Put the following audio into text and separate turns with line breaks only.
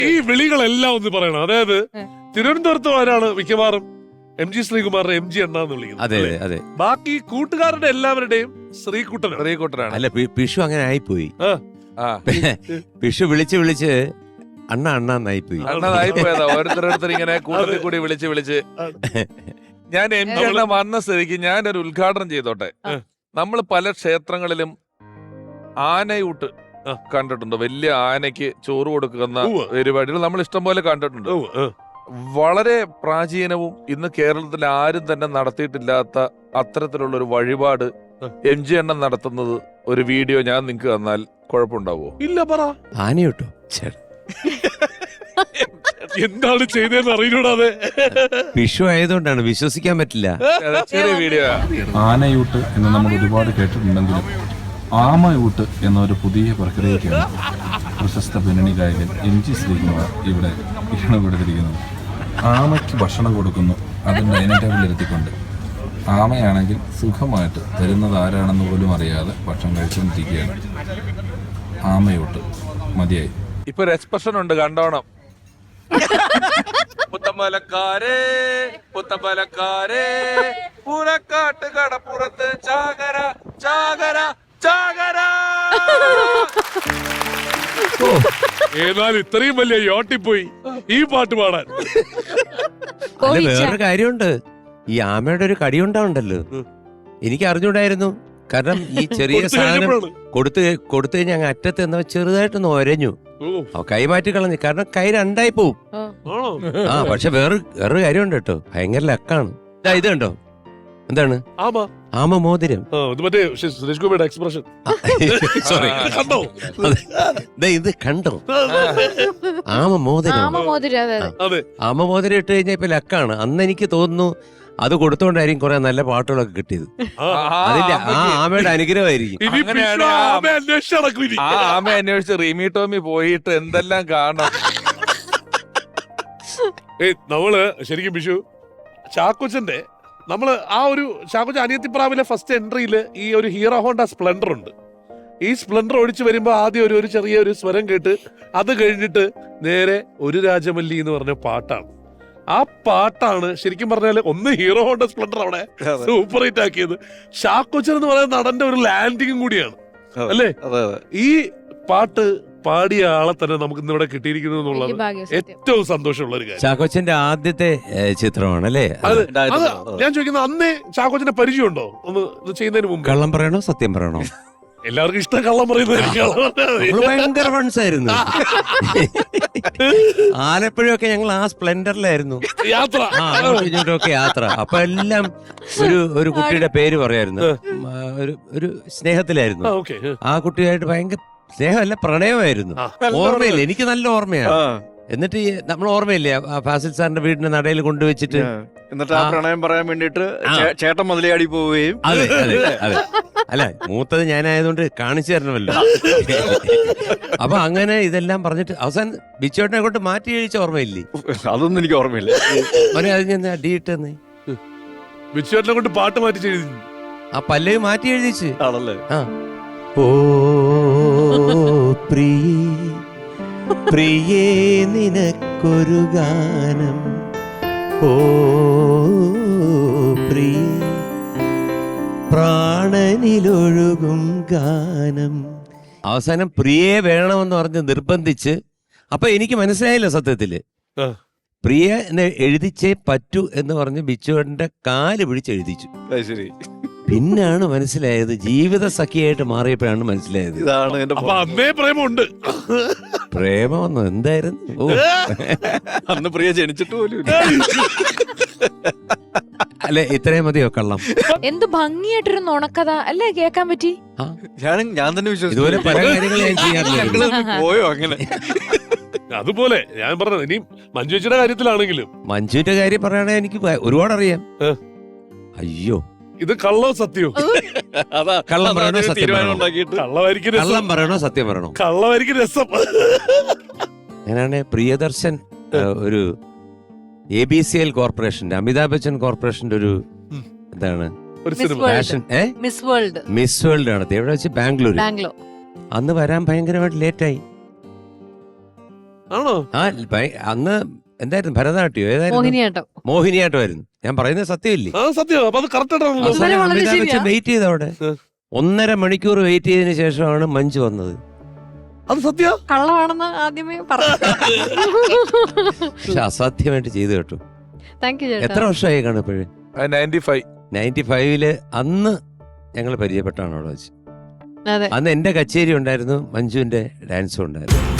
ഈ വിളികളെല്ലാം ഒന്ന് പറയണം. അതായത് തിരുവനന്തപുരത്ത് ആരാണ് മിക്കവാറും MG ശ്രീകുമാറിനെ MG അണ്ണാന്ന് വിളിക്കുന്നത്.
അതെ അതെ.
ബാക്കി കൂട്ടുകാരുടെ എല്ലാവരുടെയും ശ്രീകുട്ടനാണ്.
അല്ല, പിഷു അങ്ങനെ ആയിപ്പോയി. പിഷു വിളിച്ച് അണ്ണാന്നായിപ്പോയി.
അണ്ണായിപ്പോയതാ. ഓരോരുത്തർ ഇങ്ങനെ കൂട്ടത്തിൽ കൂടി വിളിച്ച് ഞാൻ MG അണ്ണ വന്ന സ്ഥിതിക്ക് ഞാനൊരു ഉദ്ഘാടനം ചെയ്തോട്ടെ. നമ്മൾ പല ക്ഷേത്രങ്ങളിലും ആനയൂട്ട് കണ്ടിട്ടുണ്ട്. വലിയ ആനയ്ക്ക് ചോറ് കൊടുക്കുന്ന പരിപാടികൾ നമ്മൾ ഇഷ്ടം പോലെ കണ്ടിട്ടുണ്ട്. വളരെ പ്രാചീനവും ഇന്ന് കേരളത്തിൽ ആരും തന്നെ നടത്തിയിട്ടില്ലാത്ത അത്തരത്തിലുള്ള ഒരു വഴിപാട് MG അണ്ണൻ നടത്തുന്നത് ഒരു വീഡിയോ ഞാൻ നിങ്ങൾക്ക് തന്നാൽ കുഴപ്പമുണ്ടാവോ?
ഇല്ല, പറ.
ആനയൂട്ടോ
എന്താണ് ചെയ്തതെന്ന് അറിയൂടാതെ.
വിഷു ആയതുകൊണ്ടാണ്, വിശ്വസിക്കാൻ പറ്റില്ല.
ചെറിയ വീഡിയോ.
ആനയൂട്ട് എന്ന് നമ്മൾ ഒരുപാട് കേട്ടിട്ടുണ്ടെങ്കിലും ആമയൂട്ട് എന്നൊരു പുതിയ പ്രക്രിയയ്ക്കാണ് പ്രശസ്ത പിന്നണി ഗായകൻ MG ശ്രീകുമാർ ഇവിടെ ഇഷ്ടപ്പെടുത്തിയിരിക്കുന്നത്. ആമയ്ക്ക് ഭക്ഷണം കൊടുക്കുന്നു, അത് ഡൈനിങ് ടേബിളിലെത്തിക്കൊണ്ട്. ആമയാണെങ്കിൽ സുഖമായിട്ട് തരുന്നത് ആരാണെന്ന് പോലും അറിയാതെ ഭക്ഷണം കഴിച്ചുകൊണ്ടിരിക്കുകയാണ്. ആമയൂട്ട് മതിയായി.
ഇപ്പൊ ഒരു എക്സ്പ്രഷൻ ഉണ്ട്, കണ്ടോണം. പുത്തമ്പലക്കാരേ പുത്തമ്പലക്കാരേ പൂരക്കാട്ട് കടപ്പുറത്ത് ചാകര ചാകര ചാകര.
ഏതായാലും ഇത്രയും വലിയ യോട്ടിപ്പോയി ഈ പാട്ട് പാടാൻ.
അല്ല, വേറൊരു കാര്യമുണ്ട്. ഈ ആമയുടെ ഒരു കടി ഉണ്ടാവുണ്ടല്ലോ, എനിക്ക് അറിഞ്ഞൂടായിരുന്നു. കാരണം ഈ ചെറിയ സാധനം കൊടുത്തു കഴിഞ്ഞാൽ അങ്ങ് അറ്റത്ത് എന്നാ ചെറുതായിട്ടൊന്ന് ഒരഞ്ഞു, കൈമാറ്റി കളഞ്ഞു. കാരണം കൈ രണ്ടായി പോവും. പക്ഷെ വേറൊരു കാര്യമുണ്ട് കേട്ടോ, ഭയങ്കര ലക്കാണ്. ഇത് കണ്ടോ, എന്താണ് ആമ മോതിരം.
എക്സ്പ്രഷൻ
സോറി, ഇത് കണ്ടോ, ആമ മോതിരം. ആമ മോതിരം ഇട്ട് കഴിഞ്ഞാൽ ഇപ്പൊ ലക്കാണ്. അന്ന് എനിക്ക് തോന്നുന്നു അത് കൊടുത്തോണ്ടായിരിക്കും കുറെ നല്ല പാട്ടുകളൊക്കെ കിട്ടിയത്. അതിന്റെ ആമയുടെ അനുഗ്രഹമായിരിക്കും.
ആമ അന്വേഷിച്ച് റീമി ടോമി പോയിട്ട് എന്തെല്ലാം കാണണം.
നമ്മള് ശരിക്കും വിഷു ചാക്കോച്ചന്റെ നമ്മള് ചാക്കോച്ചൻ അനിയത്തിപ്രാവിലെ ഫസ്റ്റ് എൻട്രിയില് ഈ ഒരു ഹീറോ ഹോണ്ട സ്പ്ലെൻഡർ ഉണ്ട്. ഈ സ്പ്ലെൻഡർ ഓടിച്ചു വരുമ്പോ ആദ്യം ഒരു ചെറിയൊരു സ്വരം കേട്ട് അത് കഴിഞ്ഞിട്ട് നേരെ ഒരു രാജമല്ലി എന്ന് പറഞ്ഞ പാട്ടാണ്. ആ പാട്ടാണ് ശരിക്കും പറഞ്ഞാല് ഒന്ന് ഹീറോ ഹോണ്ട സ്പ്ലെൻഡർ അവിടെ സൂപ്പർ ഹിറ്റ് ആക്കിയത്. ചാക്കോച്ചൻ എന്ന് പറയുന്ന നടന്റെ ഒരു ലാൻഡിങ്ങും കൂടിയാണ് അല്ലേ. ഈ പാട്ട് പാടിയ ആളെ തന്നെ നമുക്ക് ഇന്നിവിടെ കിട്ടിയിരിക്കുന്നു എന്നുള്ളത് ഏറ്റവും സന്തോഷമുള്ള ഒരു കാര്യം.
ചാക്കോച്ചന്റെ ആദ്യത്തെ ചിത്രമാണ് അല്ലേ.
ഞാൻ ചോദിക്കുന്നത്, അന്നേ ചാക്കോച്ചന്റെ പരിചയമുണ്ടോ ഒന്ന് ഇത് ചെയ്യുന്നതിന് മുമ്പ്?
കള്ളം പറയണോ സത്യം പറയണോ?
എല്ലാവർക്കും ഇഷ്ടം കള്ളം പറയുന്നത്.
ഭയങ്കര ഫണ്ട്സ് ആയിരുന്നു. ആലപ്പുഴയൊക്കെ ഞങ്ങൾ ആ സ്പ്ലെൻഡറിലായിരുന്നു യാത്ര. അപ്പൊ എല്ലാം ഒരു കുട്ടിയുടെ പേര് പറയായിരുന്നു. ഒരു സ്നേഹത്തിലായിരുന്നു. ആ കുട്ടിയായിട്ട് ഭയങ്കര സ്നേഹമല്ല, പ്രണയമായിരുന്നു. ഓർമ്മയില്ല, എനിക്ക് നല്ല ഓർമ്മയാണ്. എന്നിട്ട് നമ്മൾ ഓർമ്മയില്ലേ ഫാസിൽ സാറിന്റെ വീടിന്റെ നടയിൽ കൊണ്ടുവച്ചിട്ട്
എന്നിട്ട് ആ പ്രണയം പറയാൻ വേണ്ടിട്ട് ചേട്ടൻ മുതലയാടി പോവുകയും.
അതെ അതെ അതെ. അല്ല, മൂത്തത് ഞാനായതുകൊണ്ട് കാണിച്ചു തരണമല്ലോ. അപ്പൊ അങ്ങനെ ഇതെല്ലാം പറഞ്ഞിട്ട് അവസാനം ബിച്ചോട്ടിനെ കൊണ്ട് മാറ്റി കഴിച്ച ഓർമ്മയില്ലേ?
അതൊന്നും എനിക്ക് ഓർമ്മയില്ല.
അത് ഞാൻ ഡി ഇട്ടെന്നേ,
ബിച്ചോട്ടിനെ കൊണ്ട് പാട്ട് മാറ്റി എഴുതി.
ആ പല്ലവി മാറ്റി എഴുതിച്ച്.
ആണല്ലേ?
ഓ പ്രിയേ നിനക്കൊരു ഗാനം, ഓ പ്രിയേ പ്രാണനിലൊഴുകും ഗാനം. അവസാനം പ്രിയെ വേണമെന്ന് പറഞ്ഞ് നിർബന്ധിച്ച്. അപ്പൊ എനിക്ക് മനസ്സിലായില്ല സത്യത്തില്. പ്രിയ എഴുതിച്ചേ പറ്റൂ എന്ന് പറഞ്ഞ് ബിച്ചുവേട്ടന്റെ കാല് പിടിച്ചെഴുതിച്ചു.
ശരി.
പിന്നാണ് മനസ്സിലായത്, ജീവിത സഖിയായിട്ട് മാറിയപ്പോഴാണ് മനസ്സിലായത്.
അന്നേ പ്രേമമുണ്ട്.
പ്രേമമെന്നോ എന്തായിരുന്നു?
അന്ന് പ്രിയ ജനിച്ചിട്ട് പോലും.
അല്ലെ, ഇത്രയും മതിയോ കള്ളം?
എന്ത് ഭംഗിയായിട്ടൊരു നുണക്കഥ അല്ലേ കേക്കാൻ പറ്റി.
ഞാൻ തന്നെ വിശ്വസിച്ചു.
ഇതുപോലെ പല കാര്യങ്ങൾ ഞാൻ ചെയ്യാറില്ല.
പോയോ അങ്ങനെ?
അതുപോലെ ഞാൻ പറഞ്ഞത്, ഇനി മഞ്ജുച്ചിയുടെ കാര്യത്തിലാണെങ്കിലും.
മഞ്ജുവിന്റെ കാര്യം പറയുകയാണെങ്കിൽ എനിക്ക് ഒരുപാട് അറിയാം. അയ്യോ,
ഇത് കള്ളോ സത്യോ?
കള്ളം പറയണോ സത്യം പറയണോ?
കള്ളം
പറയണോ സത്യം പറയണോ?
കള്ളമായിരിക്കും രസം.
ഞാനാണ് പ്രിയദർശൻ ഒരു ABCL കോർപ്പറേഷന്റെ, അമിതാഭ് ബച്ചൻ കോർപ്പറേഷന്റെ ഒരു എന്താണ് മിസ് വേൾഡ് നടത്തി. എവിടെ വെച്ച്? ബാംഗ്ലൂർ. അന്ന് വരാൻ ഭയങ്കരമായിട്ട് ലേറ്റായി.
ആണോ?
ആ അന്ന് എന്തായിരുന്നു ഭരതനാട്യം ഏതായിരുന്നു?
മോഹിനിയാട്ടം.
മോഹിനിയാട്ടമായിരുന്നു. ഞാൻ പറയുന്നത് സത്യമില്ലേ?
ആ സത്യം. അപ്പൊ അത് കറക്റ്റ് ആയിട്ടാണല്ലോ.
വളരെ വളരെ ശരിയാ.
വെയിറ്റ് ചെയ്ത് അവിടെ 1.5 മണിക്കൂർ വെയിറ്റ് ചെയ്തതിന് ശേഷമാണ് മഞ്ജു വന്നത്.
അത് സത്യ.
കള്ളമാണെന്ന് ആദ്യമേ പറഞ്ഞു.
പക്ഷെ അസാധ്യമായിട്ട് ചെയ്തു കേട്ടു.
താങ്ക് യു ചേട്ടാ.
എത്ര വർഷമായി കാണും ഇപ്പോഴും?
95.
95 അന്ന് ഞങ്ങൾ പരിചയപ്പെട്ടാണ് അവിടെ വെച്ച്.
അതെ.
അന്ന് എന്റെ കച്ചേരി ഉണ്ടായിരുന്നു, മഞ്ജുവിന്റെ ഡാൻസും ഉണ്ടായിരുന്നു.